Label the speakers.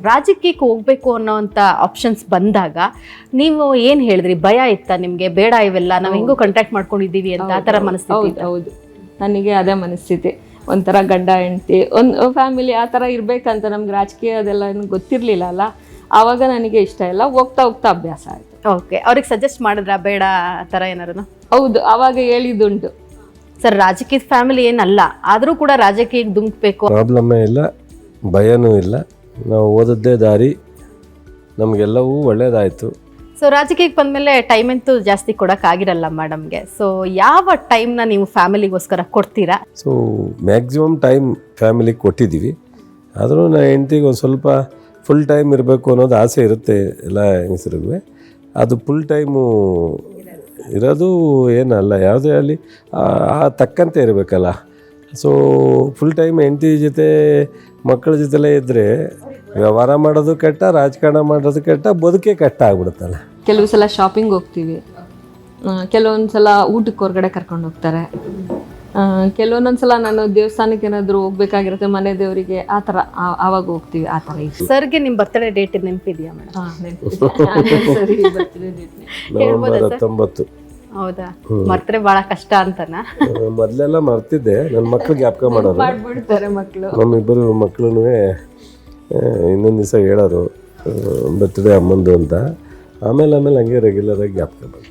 Speaker 1: ರಾಜಕೀಯಕ್ಕೆ ಹೋಗ್ಬೇಕು ಅನ್ನೋವಂಥ ಆಪ್ಷನ್ಸ್ ಬಂದಾಗ ನೀವು ಏನು ಹೇಳಿದ್ರಿ? ಭಯ ಇತ್ತಾ ನಿಮಗೆ? ಬೇಡ ಇವೆಲ್ಲ ನಾವು ಹೆಂಗೋ ಕಾಂಟ್ಯಾಕ್ಟ್ ಮಾಡ್ಕೊಂಡಿದ್ದೀವಿ ಅಂತ ಆ ಥರ ಮನಸ್ಥಿತಿ?
Speaker 2: ಹೌದು, ನನಗೆ ಅದೇ ಮನಸ್ಥಿತಿ. ಒಂಥರ ಗಂಡ ಹೆಂಡತಿ ಒಂದು ಫ್ಯಾಮಿಲಿ ಆ ಥರ ಇರಬೇಕಂತ. ನಮ್ಗೆ ರಾಜಕೀಯ ಅದೆಲ್ಲ ಗೊತ್ತಿರಲಿಲ್ಲ ಅಲ್ಲ, ಆವಾಗ ನನಗೆ ಇಷ್ಟ ಇಲ್ಲ. ಹೋಗ್ತಾ ಹೋಗ್ತಾ ಅಭ್ಯಾಸ ಆಯಿತು.
Speaker 1: ಓಕೆ, ಅವ್ರಿಗೆ ಸಜೆಸ್ಟ್ ಮಾಡಿದ್ರಾ ಬೇಡ ಆ ಥರ ಏನಾರು?
Speaker 2: ಹೌದು, ಆವಾಗ ಹೇಳಿದ್ದುಂಟು.
Speaker 1: ಸರ್, ರಾಜಕೀಯದ ಫ್ಯಾಮಿಲಿ ಏನಲ್ಲ, ಆದರೂ ಕೂಡ ರಾಜಕೀಯಕ್ಕೆ ಧುಮುಕ್ಬೇಕು
Speaker 3: ಪ್ರಾಬ್ಲಮ್ಮೇ ಇಲ್ಲ, ಭಯನೂ ಇಲ್ಲ. ನಾವು ಓದದ್ದೇ ದಾರಿ, ನಮಗೆಲ್ಲವೂ ಒಳ್ಳೆಯದಾಯಿತು.
Speaker 1: ಸೊ ರಾಜಕೀಯಕ್ಕೆ ಬಂದಮೇಲೆ ಟೈಮ್ ಅಂತೂ ಜಾಸ್ತಿ ಕೊಡೋಕ್ಕಾಗಿರಲ್ಲ ಮೇಡಮ್ಗೆ. ಸೊ ಯಾವ ಟೈಮ್ನ ನೀವು ಫ್ಯಾಮಿಲಿಗೋಸ್ಕರ ಕೊಡ್ತೀರಾ?
Speaker 3: ಸೊ ಮ್ಯಾಕ್ಸಿಮಮ್ ಟೈಮ್ ಫ್ಯಾಮಿಲಿಗೆ ಕೊಟ್ಟಿದ್ದೀವಿ. ಆದರೂ ನಾನು ಹೆಂಡ್ತಿಗೆ ಒಂದು ಸ್ವಲ್ಪ ಫುಲ್ ಟೈಮ್ ಇರಬೇಕು ಅನ್ನೋದು ಆಸೆ ಇರುತ್ತೆ ಎಲ್ಲ ಹೆಂಗಸರಿಗೂ. ಅದು ಫುಲ್ ಟೈಮು ಇರೋದು ಏನಲ್ಲ, ಯಾವುದೇ ಆಗಲಿ ತಕ್ಕಂತೆ ಇರಬೇಕಲ್ಲ. ಸೊ ಫುಲ್ ಟೈಮ್ ಹೆಂಡತಿ ಜೊತೆ ಮಕ್ಕಳ ಜೊತೆಲೇ ಇದ್ದರೆ ವ್ಯವಹಾರ ಮಾಡೋದು ಕೆಟ್ಟ, ರಾಜಕಾರಣ ಮಾಡೋದು ಕೆಟ್ಟ, ಬದುಕೇ ಕೆಟ್ಟ ಆಗ್ಬಿಡುತ್ತಲ್ಲ.
Speaker 2: ಕೆಲವು ಸಲ ಶಾಪಿಂಗ್ ಹೋಗ್ತೀವಿ, ಕೆಲವೊಂದು ಸಲ ಊಟಕ್ಕೆ ಹೊರಗಡೆ ಕರ್ಕೊಂಡು ಹೋಗ್ತಾರೆ, ಕೆಲವೊಂದೊಂದು ಸಲ ನಾನು ದೇವಸ್ಥಾನಕ್ಕೆ ಏನಾದರೂ ಹೋಗ್ಬೇಕಾಗಿರುತ್ತೆ, ಮನೆ ದೇವರಿಗೆ, ಆ ಥರ ಆವಾಗ ಹೋಗ್ತೀವಿ. ಆ ಥರ ಇತ್ತು.
Speaker 1: ಸರ್ಗೆ ನಿಮ್ಮ ಬರ್ತ್ಡೇ ಡೇಟ್ ನೆನಪಿದೆಯಾ ಮೇಡಮ್?
Speaker 2: ಸರಿ,
Speaker 3: ನವೆಂಬರ್ 19.
Speaker 1: ಹೌದಾ? ಮರ್ತರೆ ಭಾಳ ಕಷ್ಟ ಅಂತನಾ?
Speaker 3: ಮೊದಲೆಲ್ಲ ಮರ್ತಿದ್ದೆ, ನನ್ನ ಮಕ್ಳು ಜ್ಞಾಪಕ ಮಾಡೋರು.
Speaker 2: ಮಾಡ್ಬಿಡ್ತಾರೆ ಮಕ್ಕಳು.
Speaker 3: ನಮ್ಮಿಬ್ಬರು ಮಕ್ಕಳು ಇನ್ನೊಂದು ದಿವಸ ಹೇಳೋರು ಬರ್ತ್ಡೇ ಅಮ್ಮಂದು ಅಂತ. ಆಮೇಲೆ ಹಂಗೆ ರೆಗ್ಯುಲರಾಗಿ ಜ್ಞಾಪಕ ಬಂತು.